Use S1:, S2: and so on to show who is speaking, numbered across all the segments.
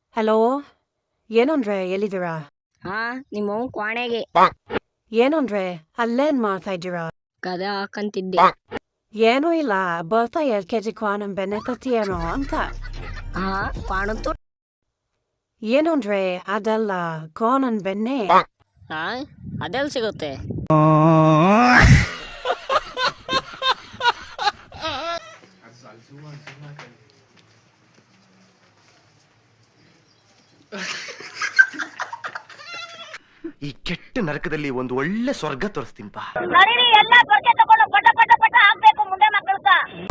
S1: Hello, ಏನೋನ್ರೆ ಎಲ್ಲಿದ್ದೀರಾ?
S2: ಹಾ ನಿಮ್ಮವ್ ಕ್ವಾಣೆಗೆ
S1: ಏನೋನ್ರೆ ಅಲ್ಲೇನ್ ಮಾಡ್ತಾ ಇದ್ದೀರಾ?
S2: ಕದ ಹಾಕಂತಿದ್ದೆ.
S1: ಏನೂ ಇಲ್ಲ, ಬರ್ತಾ 2 kg ಕ್ವಾನಂ ಬೆಣ್ಣೆ ತರ್ತೀಯೇನೋ ಅಂತ.
S2: ಹಾ ಕ್ವಾಣತ್ತು.
S1: ಏನೋನ್ರೆ ಅದಲ್ಲ, ಕ್ವಾನನ್ ಬೆಣ್ಣೆ.
S2: ಹಾ ಅದೆಲ್ಲಿ ಸಿಗುತ್ತೆ?
S3: ಈ ಕೆಟ್ಟ ನರಕದಲ್ಲಿ ಒಂದು ಒಳ್ಳೆ ಸ್ವರ್ಗ ತೋರಿಸ್ತೀನಿ ಬಾ.
S4: ನಡೀರಿ ಎಲ್ಲ ಬರ್ಕೆ ತಗೊಂಡು ಪಟ ಪಟ ಪಟ ಹಾಕ್ಬೇಕು ಮುಂದೆ ಮಕ್ಕಳ್ಕ.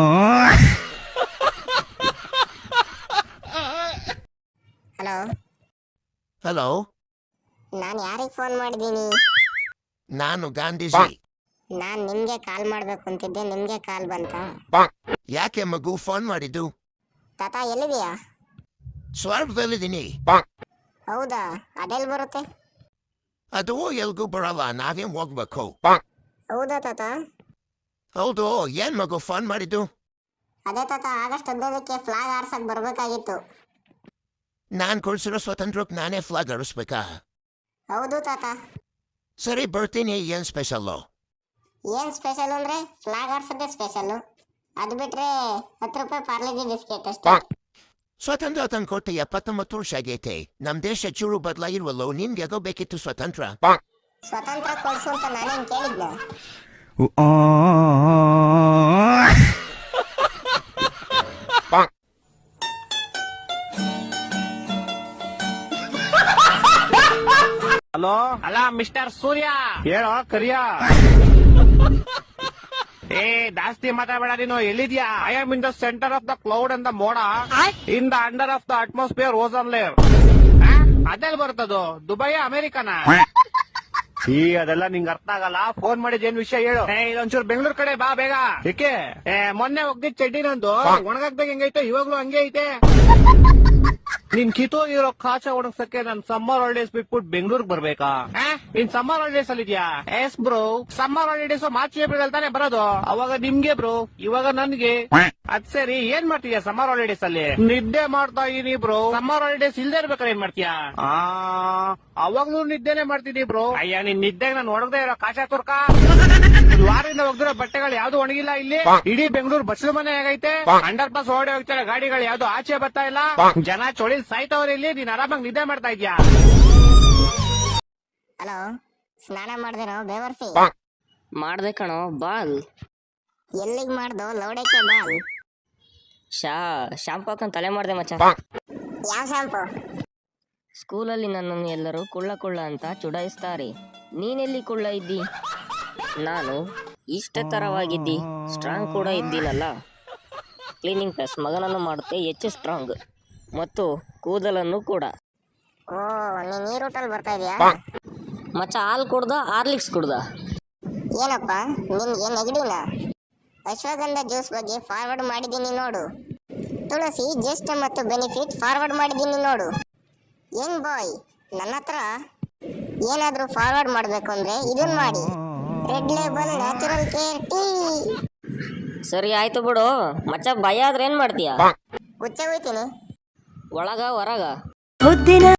S5: ಹಲೋ
S3: ಹಲೋ,
S5: ನಾನು ಯಾರಿಗೆ ಫೋನ್ ಮಾಡಿದ್ದೀನಿ?
S3: ನಾನು ಗಾಂಧೀಜಿ.
S5: ನಾನು ನಿಮ್ಗೆ ಕಾಲ್ ಮಾಡ್ಬೇಕು ಅಂತಿದ್ದೆ, ನಿಮ್ಗೆ ಕಾಲ್ ಬಂತಾ?
S3: ಯಾಕೆ ಮಗು ಫೋನ್ ಮಾಡಿದ್ದು?
S5: ತಾತ ಎಲ್ಲಿದೆಯಾ?
S3: ಸ್ವರ್ಗದಲ್ಲಿದ್ದೀನಿ.
S5: ಹೌದಾ, ಅದೆಲ್ಲಿ ಬರುತ್ತೆ?
S3: ಅದು ಎಲ್ಗೂ ಬರಲ್ಲ, ನಾವೇ ಹೋಗ್ಬೇಕು.
S5: ಹೌದಾ ತಾತ?
S3: ಹೌದು, ಏನ್ ಮಗು ಫೋನ್ ಮಾಡಿದ್ದು?
S5: ಅದೇ ತಾತ, ಆಗಸ್ಟ್ 15ಕ್ಕೆ ಫ್ಲಾಗ್ ಆರ್ಸಕ್ ಬರ್ಬೇಕಾಗಿತ್ತು.
S3: ನಾನ್ ಕೊಡ್ಸಿರೋ ಸ್ವಾತಂತ್ರ್ಯಕ್ಕೆ ನಾನೇ ಫ್ಲಾಗ್ ಹಾರಿಸ್ಬೇಕಾ?
S5: ಹೌದು ತಾತ.
S3: ಸರಿ ಬರ್ತೀನಿ. ಏನ್ ಸ್ಪೆಷಲ್ಲು?
S5: ಏನ್ ಸ್ಪೆಷಲ್ ಅಂದ್ರೆ ಫ್ಲಾಗ್ ಆರ್ಸೋದೇ ಸ್ಪೆಷಲ್. ಅದು ಬಿಟ್ರೆ 10 ರೂಪಾಯಿ ಪಾರ್ಲೆಜಿ ಬಿಸ್ಕೆಟ್ ಅಷ್ಟೇ.
S3: ಸ್ವಾತಂತ್ರ್ಯ ತಂದ್ಕೊಟ್ಟು 79 ವರ್ಷ ಆಗೈತೆ. ನಮ್ ದೇಶ ಚೂರು ಬದಲಾಗಿಲ್ವಲ್ಲೋ, ನಿನ್ಗೆ ಯಾಕೋ ಬೇಕಿತ್ತು ಸ್ವಾತಂತ್ರ್ಯ?
S5: ಸ್ವತಂತ್ರ ಕೊಡ್ಸು ಅಂತ ನಾನೇನ್ ಕೇಳಿದ್ನ?
S6: ಹಲೋ, ಅಲ್ಲ ಮಿಸ್ಟರ್ ಸೂರ್ಯ, ಹೇಳೋ ಕರಿಯ. ಏ ಜಾಸ್ತಿ ಮಾತಾಡಬೇಡ ನೀನು. ಎಲ್ಲಿದ್ಯಾ? I am in the centre of the cloud and the ಮೋಡ, in the under of the atmosphere ozone layer. ಅದೆಲ್ಲಿ ಬರ್ತದೋ? ದುಬೈ ಅಮೆರಿಕನ? ಈ ಅದೆಲ್ಲ ನಿಂಗೆ ಅರ್ಥ ಆಗಲ್ಲ. ಫೋನ್ ಮಾಡಿದ್ ಏನ್ ವಿಷಯ ಹೇಳು. ಇದೊಂಚೂರು ಬೆಂಗಳೂರು ಕಡೆ ಬಾ ಬೇಗ. ಏಕೆ? ಮೊನ್ನೆ ಹೋಗ್ದಿದ್ ಚಡ್ಡಿ ನಂದು ಒಣಗಾಕ್ದಾಗ ಹೆಂಗೈತೆ, ಇವಾಗ್ಲೂ ಹಂಗೆ ಐತೆ. ನಿನ್ ಕಿತ್ತೋಗಿರೋ ಕಾಚ ಒಣಗ್ಸಕ್ಕೆ ನನ್ ಸಮ್ಮರ್ ಹಾಲಿಡೇಸ್ ಬಿಟ್ಬಿಟ್ಟು ಬೆಂಗಳೂರಿಗೆ ಬರ್ಬೇಕಾ? ನೀನ್ ಸಮ್ಮರ್ ಹಾಲಿಡೇಸ್ ಅಲ್ಲಿ ಇದೆಯಾ? Yes bro, summer holidays March April ಅಲ್ಲಿ ತಾನೆ ಬರೋದು. ಅವಾಗ ನಿಮ್ಗೆ ಬ್ರೋ, ಇವಾಗ ನನ್ಗೆ. ಅದ್ ಸರಿ, ಏನ್ ಮಾಡ್ತೀಯಾ ಸಮ್ಮರ್ ಹಾಲಿಡೇಸ್ ಅಲ್ಲಿ? ನಿದ್ದೆ ಮಾಡ್ತಾ ಇದೀನಿ ಬ್ರೋ. ಸಮ್ಮರ್ ಹಾಲಿಡೇಸ್ ಇಲ್ದೇ ಇರ್ಬೇಕಾದ್ರೆ ಏನ್ ಮಾಡ್ತೀಯಾ? ಅವಾಗ್ಲೂ ನಿದ್ದೆನೆ ಮಾಡ್ತೀನಿ ಬ್ರೋ. ಅಯ್ಯ, ನಿನ್ ನಿದ್ದೆಗೆ ನಾನು ಒಣಗದೆ ಇರೋ ಕಾಚ ತುರ್ಕ. ವಾರದಿಂದ ಹೋಗ್ದಿರೋ ಬಟ್ಟೆಗಳು ಯಾವ್ದು ಒಣಗಿಲ್ಲ ಇಲ್ಲಿ. ಇಡೀ ಬೆಂಗಳೂರು ಬಸ್ಲು ಮನೆ ಆಗೈತೆ. ಅಂಡರ್ ಪಾಸ್ ಓಡಿ ಹೋಗ್ತಾರೆ ಗಾಡಿಗಳು, ಯಾವ್ದು ಆಚೆ ಬರ್ತಾ ಇಲ್ಲ. ಜನ ಚೊಳಿ ಸಾಯ್ತವ್ರ ಇಲ್ಲಿ. ನೀನ್ ಆರಾಮಾಗಿ ನಿದ್ದೆ ಮಾಡ್ತಾ ಇದ್ಯಾ?
S5: ಹಲೋ, ಸ್ನಾನ ಮಾಡ್ದೇನೋ ಬೇವರ್ಸಿ?
S2: ಮಾಡ್ದೆ ಕಣೋ, ಬಾಲ್.
S5: ಎಲ್ಲಿಗ್ ಮಾಡ್ದೋ ಲೌಡಕ್ಕೆ ಬಾಲ್?
S2: ಶಾಂಪು ಹಾಕೊಂಡ್ ತಲೆ ಮಾಡ್ದೆ ಮಚ್ಚ.
S5: ಯಾವ ಶಾಂಪು?
S2: ಸ್ಕೂಲಲ್ಲಿ ನನ್ನನ್ನು ಎಲ್ಲರೂ ಕುಳ್ಳ ಕುಳ್ಳ ಅಂತ ಚುಡಾಯಿಸ್ತಾರೆ. ನೀನೆಲ್ಲಿ ಕುಳ್ಳ ಇದ್ದಿ? ನಾನು ಇಷ್ಟ ತರವಾಗಿದ್ದಿ, ಸ್ಟ್ರಾಂಗ್ ಕೂಡ ಇದ್ದೀನಲ್ಲ. ಕ್ಲೀನಿಂಗ್ ಪ್ಲಸ್ ಮಗನನ್ನು ಮಾಡುತ್ತೆ ಹೆಚ್ಚು ಸ್ಟ್ರಾಂಗ್, ಮತ್ತು ಕೂದಲನ್ನು ಕೂಡ.
S5: ಓ, ನೀನ್ ಈ ರೂಟಲ್ಲಿ ಬರ್ತಾ ಇದೀಯಾ?
S2: ಮಚ್ಚ, ಹಾಲು ಕುಡ್ದ ಹಾರ್ಲಿಕ್ಸ್ ಕುಡ್ದ?
S5: ಏನಪ್ಪ ನಿನ್ಗೆ ನೆಗಡಿನ? ಅಶ್ವಗಂಧ ಜ್ಯೂಸ್ ಬಗ್ಗೆ ಫಾರ್ವರ್ಡ್ ಮಾಡಿದ್ದೀನಿ ನೋಡು. ತುಳಸಿ ಜ್ಯೇಷ್ಠ ಮತ್ತು ಬೆನಿಫಿಟ್ ಫಾರ್ವರ್ಡ್ ಮಾಡಿದ್ದೀನಿ ನೋಡು. ಯಂಗ್ ಬಾಯ್, ನನ್ನ ಹತ್ರ ಏನಾದ್ರೂ ಫಾರ್ವರ್ಡ್ ಮಾಡ್ಬೇಕು ಅಂದ್ರೆ ಇದನ್ ಮಾಡಿ. Red label natural care tea.
S2: ಸರಿ ಆಯ್ತು ಬಿಡು ಮಚ್ಚ. ಭಯ ಆದ್ರೆ ಏನ್ ಮಾಡ್ತೀಯ?
S5: ಹುಚ್ಚ ಹೋಯ್ತೀನಿ.
S2: ಒಳಗ ಹೊರಗ?